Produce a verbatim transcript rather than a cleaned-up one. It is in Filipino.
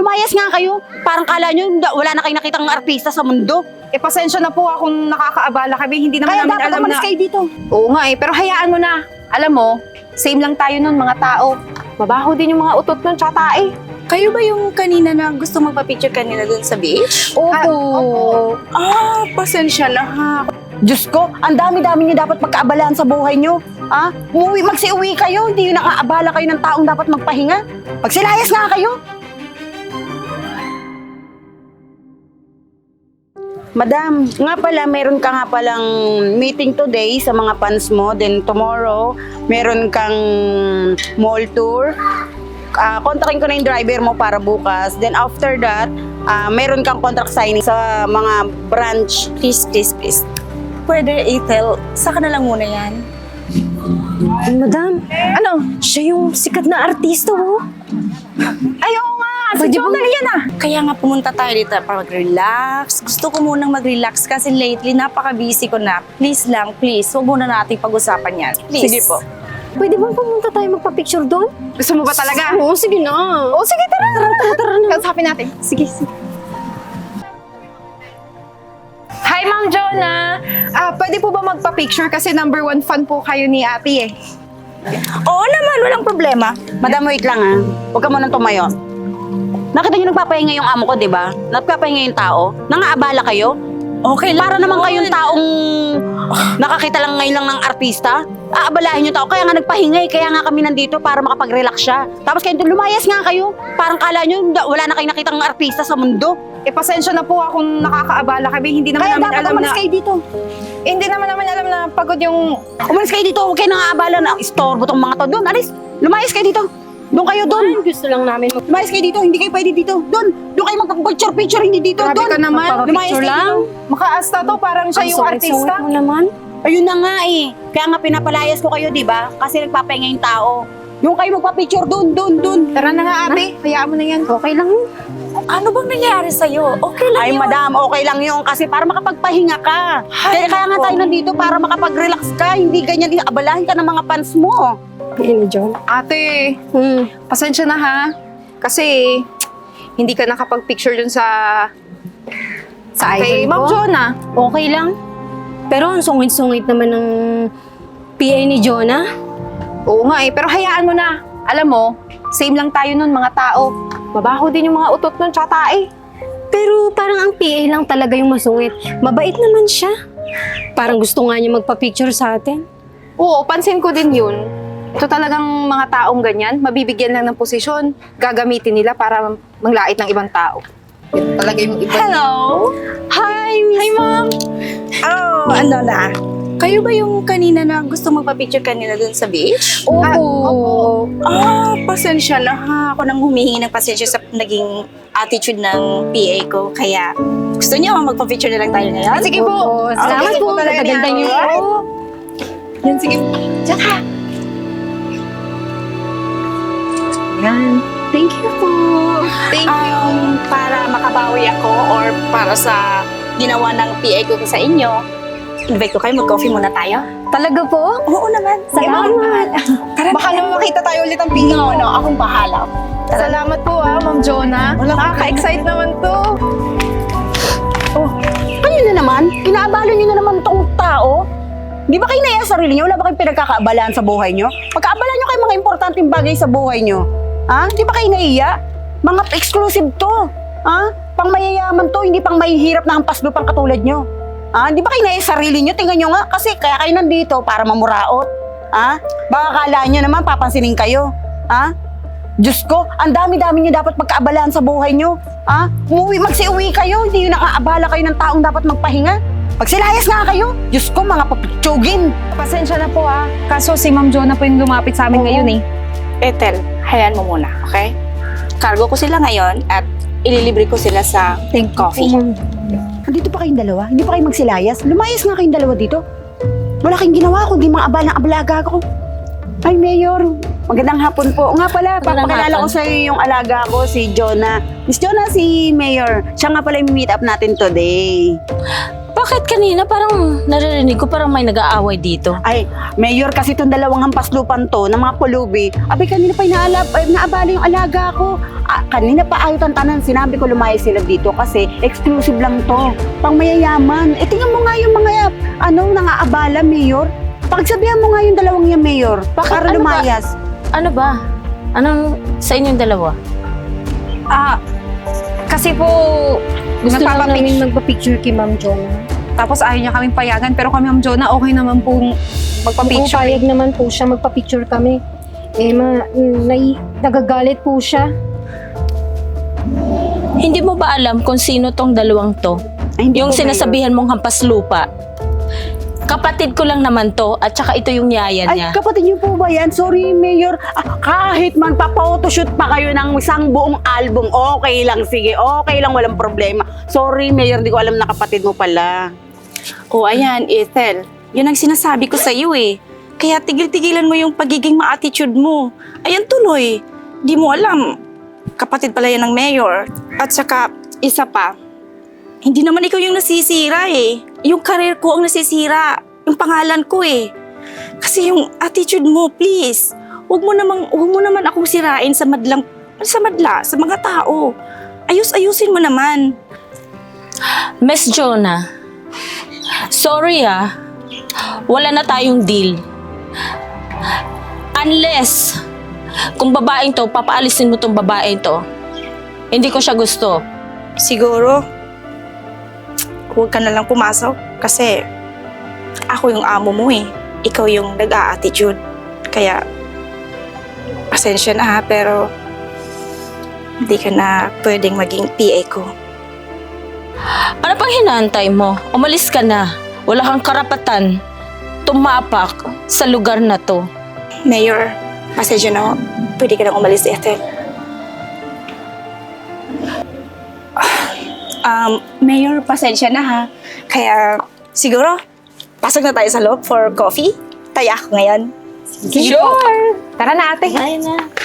lumayas nga kayo. Parang kala nyo, wala na kayo nakitang artista sa mundo. Eh, pasensya na po akong nakakaabala kami. Hindi naman Kaya namin dapat alam umalis na... kayo dito. Oo nga eh, pero hayaan mo na. Alam mo, same lang tayo nun, mga tao. Mabaho din yung mga utot nun, tsaka tae. Kayo ba yung kanina na gusto magpa-picture kanina dun sa beach? Opo. Ah, opo. Ah, pasensya na ha. Diyos ko, ang dami-dami niyo dapat pagkaabalaan sa buhay niyo. Ha? Umuwi, magsiuwi kayo, hindi yung nakaabala kayo ng taong dapat magpahinga. Magsilayas nga kayo. Madam, nga pala, meron ka nga palang meeting today sa mga fans mo. Then tomorrow, meron kang mall tour. Uh, kontakin ko na yung driver mo para bukas. Then after that, uh, meron kang contract signing sa mga branch. Please, please, please. Pwede, Ethel, saka na lang muna yan. Ay, madam, ano? Siya yung sikat na artista, oh. Ayaw nga! Si Pwede Jonah ba- yan ah! Kaya nga pumunta tayo dito para mag-relax. Gusto ko munang mag-relax kasi lately napaka-busy ko na. Please lang, please. Huwag muna natin pag-usapan yan. Please. Sige po. Pwede bang pumunta tayo magpa-picture doon? Gusto mo ba talaga? Oo, sige na. Oo, sige, tara. Tara, tara, tara na. Kausapin natin. Sige, sige. Hi, Ma'am Jonah! Ah, pwede po ba magpa-picture kasi number one fan po kayo ni ate eh. Oo naman, walang problema. Madam, wait lang ha. Huwag ka munang tumayo. Nakita niyo nagpapahinga yung amo ko, di ba? Nagpapahinga yung tao. Nangaabala kayo. Okay lang. Para naman yun. kayong taong nakakita lang ngayon lang ng artista. Aabalahin yung tao. Kaya nga nagpahinga eh. Kaya nga kami nandito para makapag-relax siya. Tapos kayo, lumayas nga kayo. Parang kala nyo, wala na kayo nakitang artista sa mundo. Eh, pasensya na po akong nakakaabala kami. Hindi naman Kaya namin dapat alam umalis na... kayo dito. Eh, hindi naman namin alam na pagod yung... Umalis kayo dito. Huwag kayo nangaabala na istorbo tong mga to. Doon, alis. Lumayas kayo dito. Doon kayo, doon. Ay, gusto lang namin mag- Lumayas kayo dito. Hindi kayo pwede dito. Doon. Doon kayo magpapicture-picture. Hindi dito. Grabe Doon. ka naman. Lumayas Picture kayo lang. dito. Makaasta to, parang siya Ang yung sungit-sungit artista. mo naman. Ayun na nga eh. Kaya nga pinapalayas ko kayo, di ba? Kasi nagpapahinga yung tao. Yung kayo magpa-picture doon, doon, doon. Tara na nga, ate. Hayaan mo na yan. Okay lang yun. Ano bang nangyari sa'yo? Okay lang Ay, yun. madam, okay lang yun kasi para makapagpahinga ka. Kaya, kaya nga nako. tayo nandito para makapag-relax ka. Hindi ganyan, abalahin ka ng mga fans mo. Yan ni John. Ate, Hmm. pasensya na ha. Kasi hindi ka nakapag-picture dun sa... Sa Kay idol Ma'am ko? Jonah. Okay lang. Pero ang sungit-sungit naman ng P A ni Jonah. Oo nga eh, pero hayaan mo na. Alam mo, same lang tayo nun, mga tao. Mabaho din yung mga utot nun, tsaka tae. Pero parang ang P A lang talaga yung masungit. Mabait naman siya. Parang gusto nga niya magpa-picture sa atin. Oo, pansin ko din yun. Ito talagang mga taong ganyan, mabibigyan lang ng posisyon, gagamitin nila para manglait ng ibang tao. Ito talaga yung iba. Hello? Hi, Miss. Hi, Ma'am. Oh, ano na? Kayo ba yung kanina na gusto magpa-picture kanina dun sa beach? Opo. Ah, opo. Ah, pasensya na ha. Ako nang humihingi ng pasensya sa naging attitude ng P A ko. Kaya gusto niyo magpa-picture na lang tayo ngayon? Ah, sige po. Oo, salamat Okay, po. talaga ni Ganda-ganda niyo. ate. Yan, sige. Diyan ka. Yan. Thank you po. Thank you. Um, para makabawi ako or para sa ginawa ng P A ko sa inyo, invite ko kayo, mag-coffee muna tayo. Talaga po? Oo naman. Salamat. Tara, Baka naman makita tayo ulit ang P A mo, no? Akong bahala. Salamat po ah, Ma'am Jonah. Nakaka-excite naman to. Oh, kayo na naman? Inaabala niyo na naman tong tao? Di ba kayo naiya sa sarili niyo? Wala ba kayong pinagkakaabalaan sa buhay niyo? Pagkaabalaan niyo kayo mga importanteng bagay sa buhay niyo. Ha? Di ba kayo naiya? Mga exclusive to. Ha? Pang mayayaman to, hindi pang mahihirap na hampas lupang katulad niyo. Ha? Di ba kayo naiya sa sarili niyo? Tingnan niyo nga, kasi kaya kayo nandito para mamuraot. Ha? Baka kala niyo naman papansinin kayo. Ha? Diyos ko, ang dami-dami niyo dapat pagkaabalaan sa buhay niyo. Ha? Umuwi, magsiuwi kayo, hindi yun nakaabala kayo ng taong dapat magpahinga. Magsilayas nga kayo. Diyos ko, mga papitsugin. Pasensya na po ah. Kaso si Ma'am Jonah po yung lumapit sa amin ngayon eh. Ethel, hayaan mo muna, okay? Cargo ko sila ngayon at ililibre ko sila sa coffee. Nandito pa kayong dalawa? Hindi pa kayo magsilayas? Lumayas nga kayong dalawa dito. Wala kayong ginawa kundi mga abalang abalaga ko. Ay, Mayor. Magandang hapon po. Nga pala, Magandang papakilala ko hapon. sa iyo yung alaga ko, si Jonah. Miss Jonah, si Mayor. Siya nga pala yung meet up natin today. Bakit kanina parang naririnig ko parang may nag-aaway dito? Ay, Mayor, kasi itong dalawang hampas lupan to ng mga pulubi. Abay, kanina pa inaalab, ay, naabala yung alaga ko. Ah, kanina pa ayot ang tanan, sinabi ko lumayas sila dito kasi exclusive lang to. Pang mayayaman. Eh, tingnan mo nga yung mga, ano, nangaabala, Mayor. Pagsabihan mo nga yung dalawang yan, Mayor. Para Ano ba? lumayas. Ano ba? Anong sa inyong dalawa? Ah, kasi po, Gusto lang nagpapapic- namin magpa-picture kay Ma'am Jonah. tapos ayaw niya kaming payagan. Pero kami, Ma'am Jonah, okay naman po Oo, magpa-picture. payag naman po siya, magpa-picture kami. Eh, ma, nai, nagagalit po siya. Hindi mo ba alam kung sino tong dalawang to? Ay, hindi Yung ko, Mayor. sinasabihan mong hampas lupa. Kapatid ko lang naman to at saka ito yung yaya Ay, niya. kapatid niyo po ba yan? Sorry, Mayor. Ah, kahit man papotoshoot pa kayo ng isang buong album, okay lang, sige, okay lang, walang problema. Sorry, Mayor, hindi ko alam na kapatid mo pala. O ayan, Ethel. Yun ang sinasabi ko sa iyo eh. Kaya tigil-tigilan mo yung pagiging ma-attitude mo. Ayan tuloy. Di mo alam. Kapatid pala yan ng mayor. At saka, isa pa. Hindi naman ikaw yung nasisira eh. Yung career ko ang nasisira. Yung pangalan ko eh. Kasi yung attitude mo, please. Huwag mo namang, huwag mo naman akong sirain sa madlang, sa madla, sa mga tao. Ayus-ayusin mo naman. Miss Jonah, sorry ah. Wala na tayong deal. Unless, kung babaeng to, papaalisin mo tong babaeng to. Hindi ko siya gusto. Siguro, huwag ka na lang pumasok kasi ako yung amo mo eh. Ikaw yung nag-a-attitude. Kaya, pasensya na ha, pero hindi ka na pwedeng maging P A ko. Ano pang hinaantay mo? Umalis ka na. Wala kang karapatan tumapak sa lugar na to. Mayor, pasensya na ho. Pwede ka nang umalis, Ethel. Um, Mayor, pasensya na ha. Kaya, siguro, pasok na tayo sa loob for coffee. Taya ako ngayon. Sure! Tara na, ate. Ay na.